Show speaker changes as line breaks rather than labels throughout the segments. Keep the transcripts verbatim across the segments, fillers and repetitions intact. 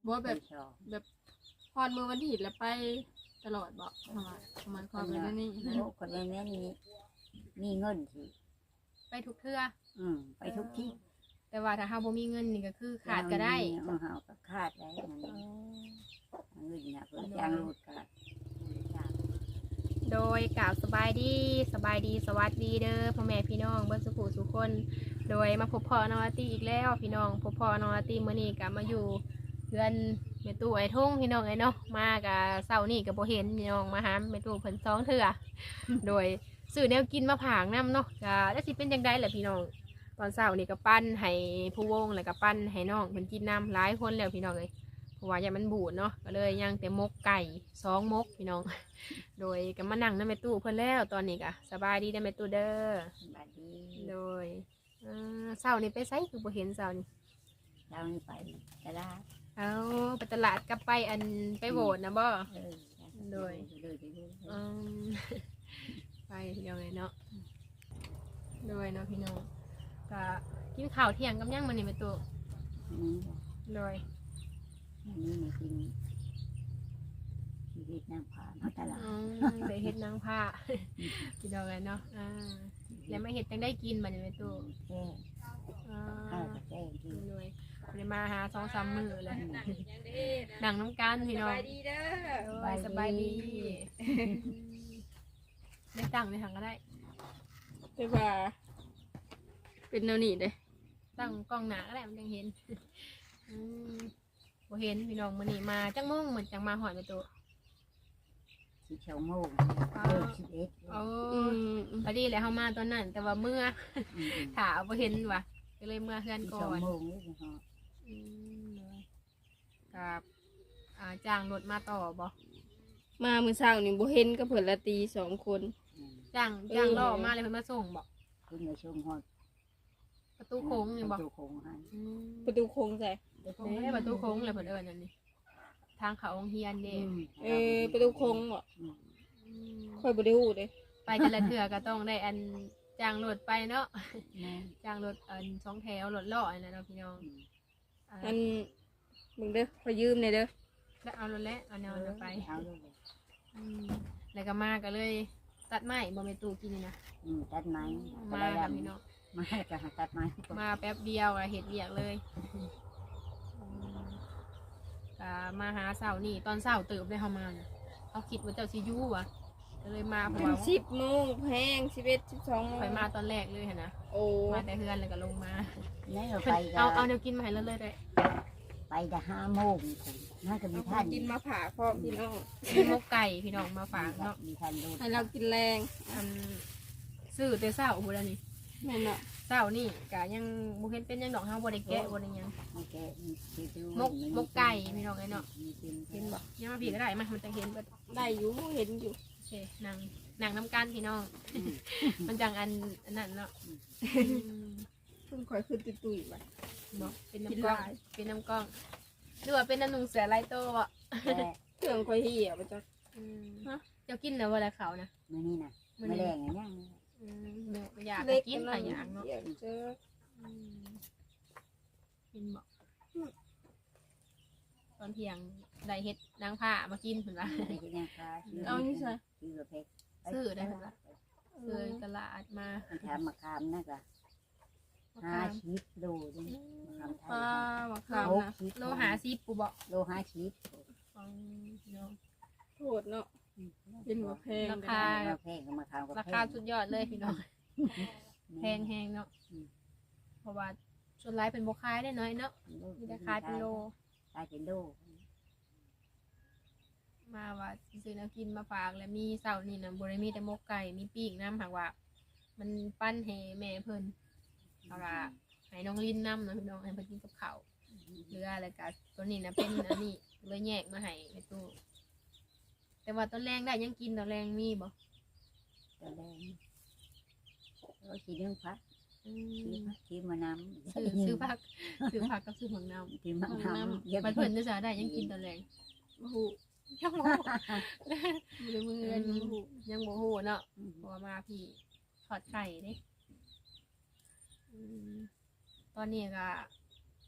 บ่แบบแบบพรมือวันที่แล้วไปตลอดบ่ทำไมทำไมความเป็นนี่นะ
คนแม่แม่นี้มีเงินสิ
ไปทุกเทื่อ
อืมไปทุกที่
แต่ว่าถ้าเฮาบ่มีเงินนี่ก็คือขาดก็ได้
เฮาก็ขาดได้มันเงินน่ะเพิ่นจ้างรถก็
โดยกล่าวสบายดีสบายดีสวัสดีเด้อพ่อแม่พี่น้องเบิ่สุขุสุคน โดยมาพบพ่อน้องอาร์ตี้อีกแล้วพี่น้องพบพ่อน้องอาร์ตี้มื้อนี้ก็มาอยู่เพื่อนแม่ตู้ไอ้ทุ่งพี่น้องไอ้เนาะมากับเช้านี่ก็บ่เห็นพี่น้องมาหาแม่ตู้เพิ่นสองเทื่อ โดยซื้อแนวกินมาผางนำเนาะก็แล้วสิเป็นจังได๋ล่ะพี่น้องตอนเช้านี่ก็ปั้นให้ผู้วงแล้วก็ปั้นให้น้องเพิ่นกินน้ำหลายคนแล้วพี่น้องเอ้ยเพราะว่าอย่ามันบูดเนาะก็เลยย่างแต่มกไก่สองมกพี่น้อง โดยก็มานั่งนำแม่ตู้เพิ่นแล้วตอนนี้ก็สบายดีเด้อแม่ตู้เด้อ
สบายดี
โดยเช้านี่ไปไสคือบ่เห็นเช้านี่
เช้านี่ไปตลาด
เอาไปตลาดกับไปอันไปโหวตนะบ่โดยอืมไปเดียวเลยเนาะโดยเนาะพี่น้องก็กินข้าวเที่ยงกับย่างมันนี่ไปตัวโดย
นี่มากินชีวิตนางผ้ามาตลาด
ได้เฮ็ดนางผ้าพี่น้องเลยเนาะอ่าแล้วมาเฮ็ดจังได้กินมันนี่ไปตัว
แก่ข้าวแก่กิน
เลยเลยมาหาสองสามมื้อเลยหนังน้ำกันพี่น้องสบายดีเด้อสบายดีได้ตั้งในถังก็ได้
แต่ว่าเป็นแนวนี้เด้
ตั้งกล้องหนาก็ได้มันยังเห็นบ่เห็นพี่น้องมื้อนี้มาจังโมงเหมือนจังมาหอยไปตัว
สิบสองโมงเออสิบเอ็ด
โอ้พอดีแล้วเฮามาตอนนั้นแต่ว่าเมื่อถาบ่เห็นว่ะก็เลยเมื่อเฮือนก่อนกับจ้างรถมาต่อบ่
มามื้อเช้านี่บ่เห็นกับเพิ่นละตีสองคน
จ้างจ้างล่อมาเลยเพิ่นมาส่งบ่
เพิ่นมาส่งฮอด
ประตูโค้งนี่บ่
ประตูโค้งให้
ประตูโค้งใส่
เด้ประตูโค้งเลยเพิ่นเอิ้นอันนี้ทางเขาโรงเรียนเด้
เออประตูโค้งบ่ค่อยบ่ได้ฮู้เด้
ไปแต่ละเทื่อก็ต้องได้อันจ้างรถไปเนาะจ้างรถอันสองแถวรถล้ออันนั้นเนาะพี่น้อง
อันมึงเด้อขอยืมหน่อยเด้อ
แล้วเอารถแล้วเอาแนวนั้นไปแล้วก็มาก็เลยตัดไม้บ่แม่ตู้กินนี่นะ
ตัดไม้
มาพี่น้อง
มาก็ตัดไม้
มาแป๊บเดียวอะเฮ็ดเวียกเลยก็มาหาเช้านี่ตอนเช้าตื่นได้เฮามาเขาคิดว่าเจ้าสิอยู่ว่ะก็เลยมาเพราะว่า
สิบโมงแพงสิบเอ็ด สิบสองโมง
ไปมาตอนแรกเลยหั่นนะ
โอ้
มาแต่เฮือนแล้วก็ลงมา
ไป
เอาเอาเดี๋ยวกินมาให้เลยเลยได้
ไปจะห้าโมงน่าจะมีท่าน
กินมาผ่าพร้อมพี่น้อง
มกไก่พี่น้องมาฝากเนาะ
มีท่านดู
ให้เรากินแรง
อันซื้อแต่เช้าโอ้โหแล้วนี่
แม่นเนาะ
เช้านี่กะยังบ่เห็นเป็นยังดอกเฮาบ่ได้แกะบ่ได้ยังมกมกไก่พี่น้องไอ้เนาะเห็นบ่ยังมาพี่ก็ได้มามันจะเห็นเบิด
ได้อยู่เห็นอยู่
โอเคนั่งนั่งน้ำกันพี่น้องมันจังอันอันนั้นเนาะ
คุณคอยขึ้นตุ้ยๆไป
เนาะเป็นน้ำกล้องเป็นน้ำกล้องดูว่าเป็นน้ำนุ่งเสือลายโตอ่ะ
เครื่องคอยเหี่ยวไปจ้ะ
ฮะเจ้ากินแล้วเวลาเขานะ
มื้อนี้น่ะมื้อแรงอย่างนี้
เนื้ออยากกินหลายอย่างเนาะกินบอกตอนเที่ยงได้เฮ็ดนางผ้ามากินเห็นปะ
เอานี่ใช่
ซื้อได้เห็นปะซื้อตลาดมา
ทำมะขามนะจ๊ะห้าชิปโลด้วยมะขามไทย
มะขามนะโลหาซิปปูบอก
โลห้าชิป
โหดเนาะเป็นหัวแพง
ราคา
แพงกับมะขาม
ราคาสุดยอดเลยพี่น้องแพงแพงเนาะเพราะว่าส่วนไรเป็นโบคายได้น้อยเนาะมีราคาเป็นโล
ขายเป็นโล
มาว่าซื้อน้ำกินมาฝากแล้วมีเสานี่นะบริมีแต่มกไก่มีปีกน้ำหากว่ามันปั้นให้แม่เพิ่นเอาละให้น้องลิ้นน้ำนะพี่น้องให้เพิ่นกินกับข้าวเรืออะไรกันตัวนี้นะเป็นอันนี้เลยแยกมาให้ในตู้แต่ว่าตอนแรงได้ยังกินตอนแรงมีบ่
ตอนแรงเรากินเรื่องพักซื้อมะนาว
ซื้อซื้อผักซื้อผักกับซื้อหมังนาว
ซื้อมะนาว
มันเพิ่นจะได้ยังกินตอนแรง
โอ้โห
ยังโมมือมือยังโมโหเนาะพอมาพี่ถอดไข่เด้ตอนนี้ก็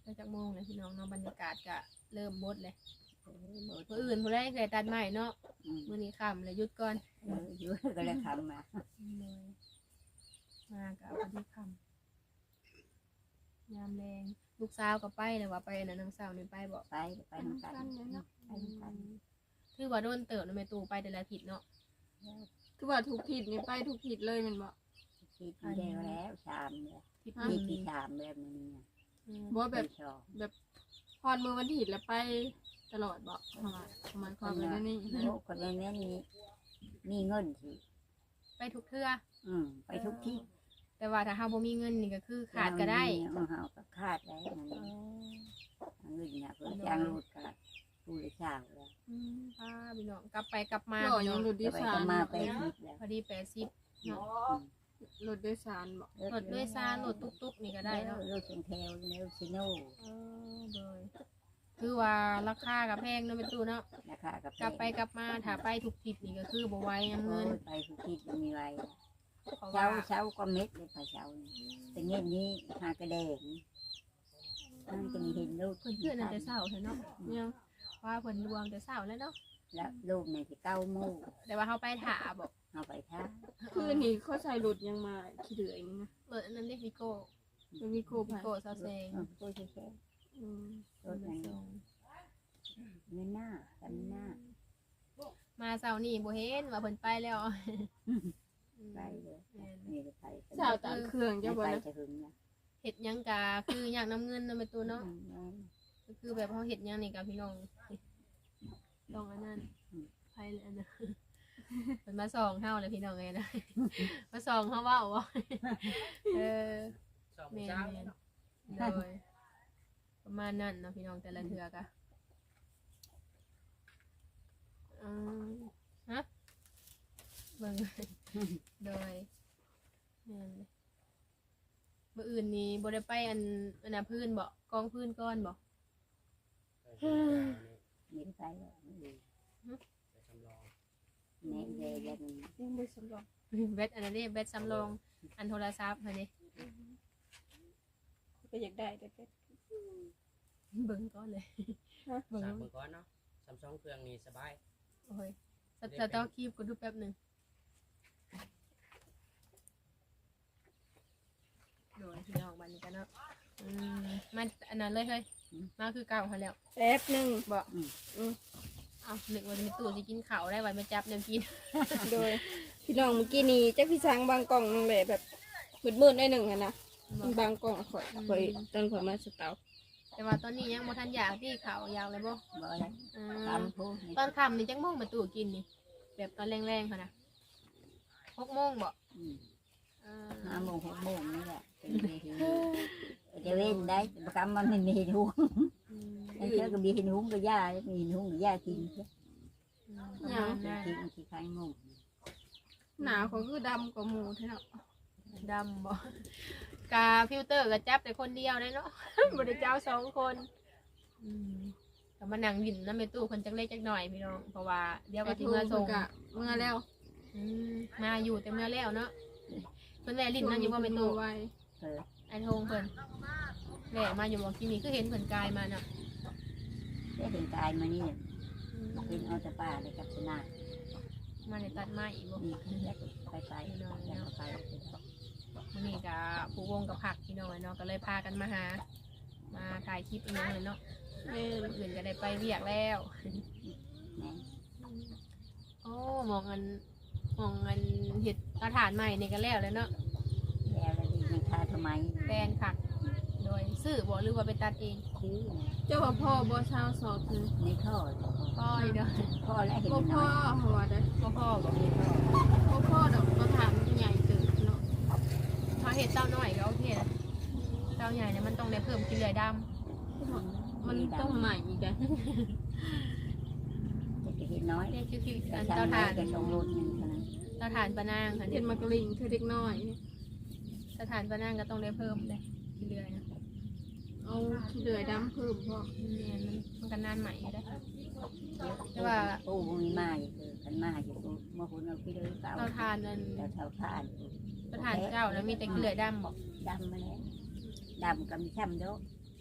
ไปจากโมงเลยพี่น้องเนาะบรรยากาศก็เริ่มบดเลย
เออโหลด
มื้ออื่นผู้ใดได้ตัดไม้เนาะ
อืม
มื้อนี้ค่ำเลยหยุดก่อน
เอออยู่ก็เลยทำมา
เลยมาก็เอาพอดีค่ำยามแรงลูกสาวก็ไปเลยว่าไปอันนั้นน้องสาวนี่ไปบ่
ไปไปนำกัน
กันเนี่ยเนาะ
ไปนำกัน
คือว่าโดนเติบเนาะแม่ตู่ไปแต่ละอาทิตย์เนาะ
คือว่าทุกทิศนี่ไปทุกทิศเลยแมันบ่
คิดเดียวแล้วชามเลย
ทิศ
คิด
นี้
ที่ชามแบบนี้เนี่ย
อืม
บ่แบบ
ชอบ
แบบพอดมือวันทิศแล้วไปตลอดบ่ประมาณประมาณความเป็นนี่นะ
โอ้คนในนี้มีมีเงินสิ
ไปทุกเทื่อ
อืมไปทุกที่
แต่ว่าถ้าเฮาบ่มีเงินนี่ก็คือขาดก็ได้
เออเฮาก็ขาดได้มัน
อ๋อ
เงินเนี่ยเพิ่นจ้างรถก็ผู้เลยจ้างแล้ว
อืมพาพี่น้องกลับไปกลับมา
หล่อ
พี่
ยั
น้อง ง
รถโด
จะ
ย
ไป
สา
ก็
ร
มา
เนาะ
ไปคิดแล้ว
พอดีแปดสิบเนาะ
รถโดยสารบ่
รถด้วยซารรถตุ๊กๆนี่ก็ได้เนาะ
รถเป็นแถวเร็วชิโน่
เออโดยคือว่าราคากับแพงเนาะเป็นตู้เนาะ
นะคะกับ
กลับไปกลับมาถ้าไปถูกทิศนี่ก็คือบ่ไหวนะ
เงิ
เงิน
นไปทุกที่มันมีไว้
เพราะ
เช้า
ว่า
เช้าก็เม็ดเลยไปเช้าแต่เงี้ยนี้หากระเดงมันจะมีเห็นลูก
เพิ่นเพื่อนนั่นแต่เช้าเถอะเนาะ
เนี่ย
ว่าเพิ่นรวมแต่เช้าแล้วเนาะ
แล้วลูกในที่เก้าโมง
แต่ว่าเฮาไปถาบ่
เอาไปท่า
คือนี่เขาใช้รถยังมาขี้เหลืออย่างนี้นะ
เปิดอันนั้นเรียกวิโก้
มันมีโค
วิ
ภัย
โก้ซาเซง
เออพูดแค่
อืม
รถนั้นเงินหน้ากันหน้า
มาเช้านี่บ่เห็นว่าเพิ่นไปแล้ว
ไปเลย
แม่น
นี่ไป
สาวตามเครื่อง
จะ
เจ้าบ่
ไป
นะ
จะถึงนะ
เฮ็ดหยังกะคืออยากนํเงินเนาะเป็นตู้เนาะก็คือแบบเฮาเฮ็ดหยังนี่ก็พี่น้องต้องอันนั้นไปเลยอันนั้นเพิ่นมาส่องเฮาเลยพี่น้องเอ้ยนะ มาส่องเฮาเว้าบ่เออ
สอง
แม่
เช้า
นๆโดยประมาณนั้นเนาะพี่น้องแต่ละเทือกะอืมฮะเบิ่ง โดยแม่นเลยมื้ออื่นนี้บ่ได้ไปอันอันน่ะพื้นบ่กองพื้นก้อนบ่
นี่ไปเลย
ไปจำลอง
แม่เยยัน
ยังบ่สำรอง
เบ็ดอันนั้นนี่เบ็ดสำรองอันโทรศัพท์หั่นนี่
ก็อยากได้แต่ก็
เบิ่งก่อนเลยเบิ่ง
สามเบอร์ก้อนเนาะซัมซุงเครื่องนี้สบาย
โอ้ยสตาร์ทคลิปก็ดูแป๊บหนึงโดยพี่น้องบัดนี้กันเนาะอืมมาอันนั้นเลยเฮ้ยมาคือเก่าหั่นแล้ว
แป๊บหนึง
บ่เอานึกว่าจะมีตู้สิกินข้าวได้ไว้มาจับแนวกิน
โดยพี่น้องเมื่อกี้นี้จักพี่ช้างบางกล่องนึงแหละแบบมืดๆได้หนึ่งอะนะมันบางกล่องข่อยข่อยตอนข่อยมาสเตา
แต่ว่าตอนนี้ยังบ่ทันอยากที่ข้าวยาวเลยบ่
บ่อะไร
อืม
ทำพูด
ตอนค่ำนี่จักโมงมาตู้กินนี่ แบบตอนแรงๆค่ะนะหกโมงบ่เออ
ห้าโมงหกโมงนี่แหละจะเว้นได้ประคำมันไม่มีเห็นหุ้ง
อืม
ไอ้เจ้าก็มีเห็นหุ้งก็ย่ามีเห็นหุ้งก็ย่ากิน
ประมาณนั้น
กินที่ข้างงง
หนาเขาคือดำกว่าหมูเท่านั้น
ดำบ่กาฟิลเตอร์ก็จับแต่คนเดียวได้เนาะ บ่ได้เจ้าสองคนอืมก็มานั่งดินนำแม่ตู้คนจักเล็กจักหน่อยพี่น้องเพราะว่าเดี๋ยวก็สิมาส่ง
กะเมื่อแล้ว
อืมมาอยู่แต่เมื่อแล้วเนาะเพิ่นแม่ลิ้นนั่นอยู่บ่แม่ตู้
ไว้
เออ
ไอ้ทงเพิ่นแหละมาอยู่บ่ที่นี่คือเห็นเพิ่นกายมาเนาะ
ได้เห็นกายมานี่เป็นเอาแต่ป่าเลยกับชนะ
มาในตัดไม้อีกบ่
นี่แล้วไปไปแล้วไป
มื้อนี้ก็ผู้วงกับผักพี่น้องเนาะก็เลยพากันมาหา มาถ่ายคลิปอีกอย่างเลยเนาะ
แม่น
อื่นก็ได้ไปเวียกแล้ว
แม่
โอ้มองอันมองอันเห็ดกระถานใหม่นี่ก็แล้วแล้วเนาะ
แล้วแล้วดีมันทาทำไม
แปลนผัก โดยซื้อบ่หรือว่าไปตัดเอง
ซื้อ
เจ้าว่าพ่อบ่เช้าสอบคือ
ในท่อ
พ่ออีเด้อ
พ่อแล้วเห็น
บ่
น้
พ่อ
อย
หัวได้
พ่อพ่อบ่
ในท่อ
บ่พ่อดอกก็ถามมันใหญ่เกินเนาะ
ถ้าเห็ดเต้าน้อยก็โอเคนะเต้าใหญ่เนี่ยมันต้องได้เพิ่มกินเลยดำ
มันต้องใหม่อีกอะ
จะเห็นน้อย
เนี่ยคือคืออัน
จะ
เต้า
ทา
ถ่าน น
จะชงรถหนึ่งเท่านั้น
เต้าถ่านปะนางค่ะ
เห็
เนี่ย
นมากระลิงคือเด็กน้อย
เต้าถ่านปะนางก็ต้องได้เพิ่มเลยกินเลยนะ
เอาขี้เหลือดำเพิ่มพ่อ
เนี่ยมันมันก็นานใหม่อยู่ได้
แต่ว่าปูมีมาอยู่คือกันมาอยู่เมื่อคุณเอาพี่เลยเปล่า
เต้าถ่านนั่น
แต่เท่าทาน
เต้าถ่านเจ้าแล้วมีแต่กินเลยดำบอก
ดำมาแล้วดำกับมีช่ำโด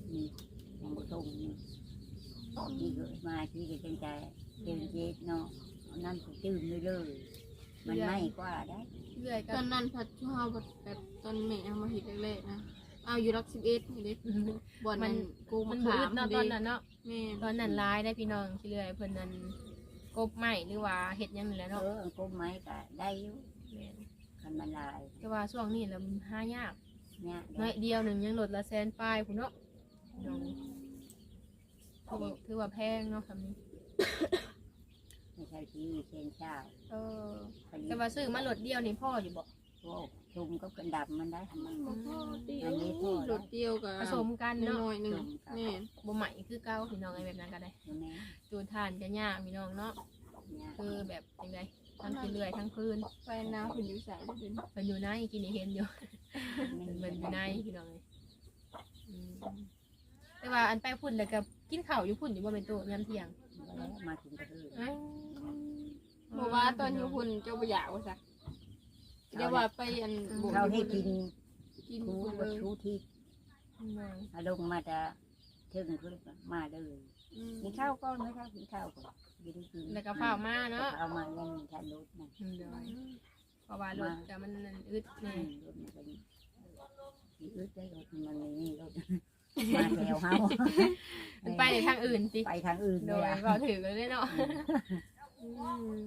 นี่ยังบ่ส่งนี่ที่เกิดมาที่ก็จังใจเต็มเจ็ดเนาะเอาน้ำก็จืดเลยเลยมันไหม้กว่าได้
เรื่อย
ต
กั
อน นนั้นพัดช่วแบบแบบตอนแม่เอามาเห็ดแรกๆนะเอาอยู่รักสิบเอ็ดนี่เด็กบ่อนมันกู
มั
มาน
บื
ขา
ด
ม
เนาะตอนนั้นเนาะ
แม่
ตอนนั้นร้ายได้พี่น้องที่เรื่อยเพิ่นนั้นกบไม้หรือว่าเห็ดหยังนี่แหละ
เอ
เนาะ
อก้มไม้ก็ได้อยู่
แม่น
คันมันลาย
แต่ว่าช่วงนี้แล้วมันหายาก
เนี่ย
น้อยเดียวหนึ่งยังลดละแสนปลายพุ่นเนาะพี่น้องถือว่าถือว่าแพงเนาะคำนี้
ไม่ใช่ที่เชนเช้า
เออ
พอดี
แต่ว่าซื้อมาลดเดียวนี่พ่ออยู่บ่
พวกชุมก็กระดับมันได้ทำไม
บ่พอตี
อันนี้พอ
หลดเดียวกับ
ผสมกันเนาะ
น้อยๆหนึ่งแม่
บ่ใหม่คือเก่าพี่น้องไอ้แบบนั้นก็ได้
แม่
จูนทานก็ยากพี่น้องเนาะ
เนี่ย
คือแบบจังไดทั้งกินเรื่อยทั้งพื้น
ไปน้ำคุณอยู่ใส่ได้เป็น
เพิ่นอยู่ในกินนี่เห็นอยู่
ไม่
เพิ่น
มี
อยู่ในพี่น้องเลยอืมแต่ว่าอันไปพุ่นแล้วก็กินข้าวอยู่พุ่นอยู่บ่เป็นตัวยามเที่ยง
มาถึงกระทืบ
อ้าว
บอกว่าตอนอยู่คุณเจ้าบ่อยากว่าซะเดี๋ยวว่าไปอันบ่
เขาให้กิน
กิน
ทู
คุณ
วั
เลย
ชูที่
อืม
อารมณ์มาจะถึงคือมาเลย
อืม
กินข้าวก็ไม่ข้าวกินข้าวก่อนกินกิน
แล้วก็ข้าวมาเนาะ
เอามายังมีทันรถนะ
อืมเดี๋ยวเพราะว่ารถก็มันอึด
อื
แน่
มรถมันก็มีอึดได้รถมันไม่มีรถมาแถวเฮา
มันไปในทางอื่นสิ
ไปทางอื่น
โด
เลย ย
เราถือกันเลยเนาะอืม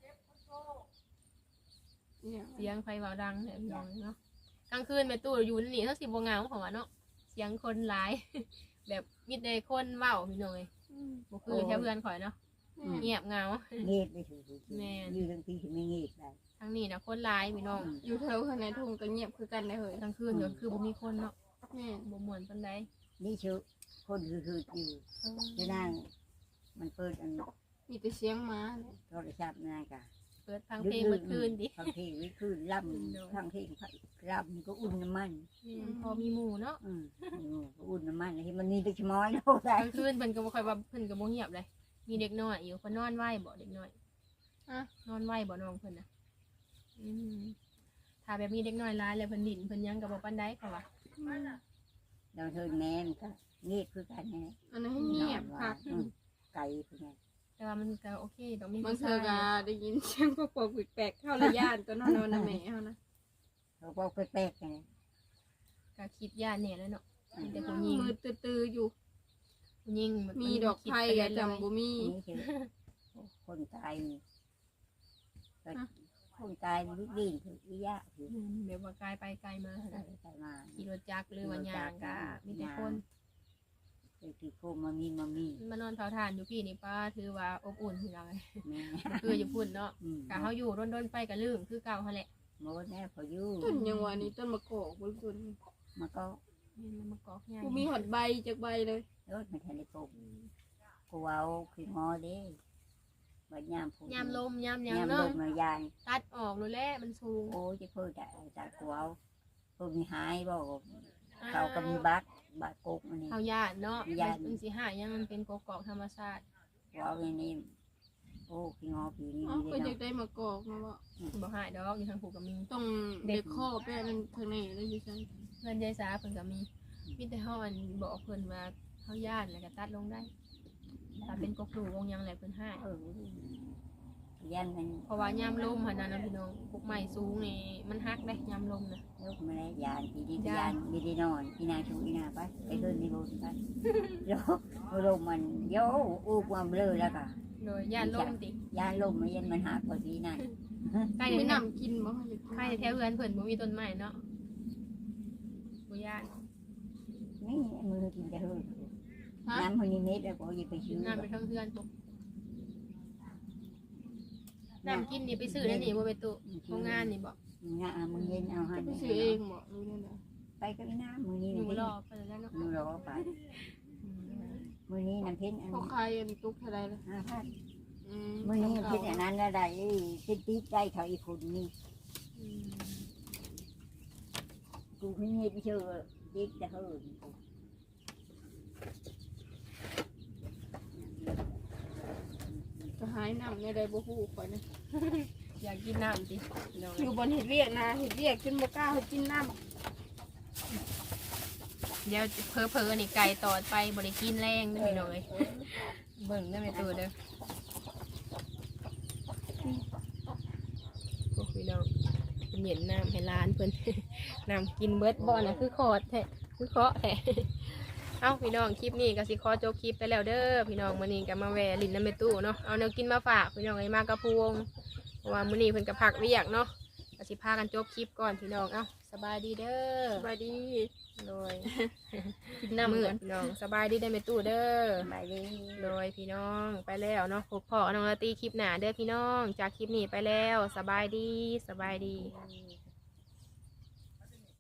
เนี่ย
เสียงไฟเบาดังเนี่ยพี่น้องเนาะกลางคืนแม่ตู้อยู่นี่เท่าสิบวงเงาของว่าเนาะเสียงคนหลาย แบบมีแต่คนเว้าพี่น้องเลยบ่คือแถวเพื่อนข่อยเนาะเงียบเหงา
เงียบไปถึง
แม่น
อยู่ทั้งปีที่ไม่เงียบได้
ทางนี้นะคนหลายพี่น้อง
อยู่แถวข้างในทุ่งก็เงียบคือกันได้เฮ้ย
กลางคืนก็คือบ่มีคนเนาะ
แม่
บ่ม่วนปานใด
นี่ชื่อคนคือคืออยู่
เออ
จะนั่งมันเปิดอัน
มีแต่เสียงหมาเนี่ย
โทรศัพท์นั่นกะ
เปิดฟังเพลงเมื่อคืนดิ
ฟังเพลงวิคืนล่ำฟังเพลงล่ำก็อุ่นน้ำมัน
แม่นพอมีหมู่เนาะ
อืมก็อุ่นน้ำมันที่มันนี่ไปชะม้อยเนาะ
กลางคืนเพิ่นก็บ่ค่อยว่าเพิ่นก็บ่เงียบเลยมีเด็กน้อยอยู่เพิ่นนอนไหวบ่เด็กน้อย
อะ
นอนไหวบ่น้องเพิ่นน่ะอืมถ้าแบบมีเด็กน้อยหลายแล้วเพิ่นดิ้นเพิ่นหยังก็บ่ปานใดเขาว่า
เราเทินแม่นก็เงียบคือกันนะ
อันนั้นให้เงียบคัก
ไก่คือไง
แต่ว่ามันก็โอเคต้องมี
บาง
ผู้
เธ
ชา
อย ก็ได้ยินเสียงพวกปกแปลกๆเข้าระยานตัวนอนนอนนะแม่เฮานะ
เขาบอกแป๊กๆไง
ก็คิดย่านแน่แล้วเนาะมีแต่ผู้หญิง
มือตื้อๆอยู่
ผู้หญิงน
มีดอกไผ่ก็จำบ่มี
นี่คือคนตายนี่คนตายวิบินคือวิยะคือ
อืมแบบว่ากายไปไกลมาหั่นน่ะ
ใส่มา
ขี่รถจักรหรือว่าย่างก็มีแต่คน
คือคือโคมามีมามี
มานอนเผาถ่านอยู่พี่นี่ป้าถือว่าอบอุ่นพี่น้องเอ้ย
แม่
บ่คืออยู่พุ่นเนาะ
อืม
กะเฮาอยู่ร่นๆไปก็ลืมคือเก่าหั่นแหละ
โมดแน่พออยู่
ต้นยังว่านี่ต้นมะกอกบนต้น
มันก็
แม่นมันมากอกใหญ่
กูมีหอดใบจากใบเลย
รถมันทันได้ปลูกกูเอาคืองอเด้บัดยามพู
ยามลมยามหยัง
ยามล
เนาะ
มมายาย
ตัดออกเลยแหละมันสูง
โอ้ยจะเพิ่งแต่แต่กูเอาเพิ่งมีหายบอกเขาก็มีบัตรบัตรกุกอันนี้
เฮาย่านเนาะ
ย้าน
มันสิหายังมันเป็นกอกๆธรรมชาติ
กูเอาอันนี้โอ้คืองอผีนี่
อ๋อ
เล
ก็
ย
อยา
เนาะ
กได้มะกอกนะว่า
บ่หายดอกอยู่ทางผูกก็มี
ต้องเด็กข้อแป้นทางนี้แล้วอยู่ใช่
เพื่อนยายสาเพิ่นก็มีมีแต่เฮาอันบอกเพิ่นว่าเฮาย่านแล้วก็ตัดลงได้ถ้าเป็นกกดูวงหยังแหละเพิ่นให้
เออยันมัน
เพราะว่ายามลมหั่นน่ะนะพี่น้องพวกไม้สูงนี่มันหักได้ยามลมน่ะ
ลูกมาแล้วยานปีดียานมีดีนอนอีนาชูอีนาไปไปขึ้นในรถไปโยลมมันโยอูความเบลอแล้วก็
โดยย่านลมติ
ยานลมมันยันมันหักกว่าทีนั่น
ใกล้
ไม่
จะ
นำกินบ่อยาก
ใกล้จะแถวเฮือนเพิ่นบ่มีต้นไม้เนาะบ่ย่าน
นี่มือกินจะหื้อน้ำมันนี่เม็ดแล้วก็ยิ่งไปชื้อ
น้ำไปทางเฮือนปุ๊บน้ำกินนี่ไปซื้อนั่นนี่บ่ไปตุโรงงานนี่บ่
งามึงเย็นเอาให้
ไปซื้อเองบ่รู้เนี่ยนะ
ไปก็ไม่น้ำมือนี้
หนู
น้ำ
ร
เพ็
อ
ญ
ไปแล้วเนาะ
มือรอไป
อืม
มือนี้น้ำเพ็ญอัน
เขาขายอันตุกเท่าไรล่ะ
ห้าพัน
อืม
มือนี้น้ำเพ็ญอันนั้นแล้วได้ติดติดได้เขาอีกคนนี่
อืม
กูไม่เงียบเชื่อติดจะหื้อ
ก็หายน้ำในใดบ่ฮู้ข่อยนะ
อยากกินน้ำติพี่น้อง
อยู่บนเห็ดเวียกนะเห็ดเวียกจนบ่กล้าเฮ็ดกินน้ำ
เดี๋ยวเพอเพอๆนี่ไก่ตอดไปบริกินแรงเด้อพี่น้องเอ้ยเบิ่งได้ไหมตัวเด้อโอ้พี่น้องเป็นเหย็นน้ำให้ร้านเพิ่น น้ำกินเบิดบ่อนะคือขอดแท้คือเคาะแท้ เอ้าพี่น้องคลิปนี้ก็สิขอจบคลิปไปแล้วเด้อพี่น้องมื้อนี้ก็มาแวะลินน้ำเมตู้เนาะเอาแนวกินมาฝากพี่น้องไอ้มากกระพวงเพราะว่ามื้อนี้เพิ่นก็พักเวียกเนาะก็สิพากันจบคลิปก่อนพี่น้องเอ้าสบายดีเด้อ
สบายดี
โดย
กิน
น้ำ
น้ำ
มื
ก่
ด
อน
พี่น้องสบายดีได้เมตู้เด้อ
สบายดี
โดยพี่น้องไปแล้วเนาะพบพ่อน้องลาตีคลิปหนาเด้อพี่น้องจากคลิปนี้ไปแล้วสบายดีสบายดี
อืม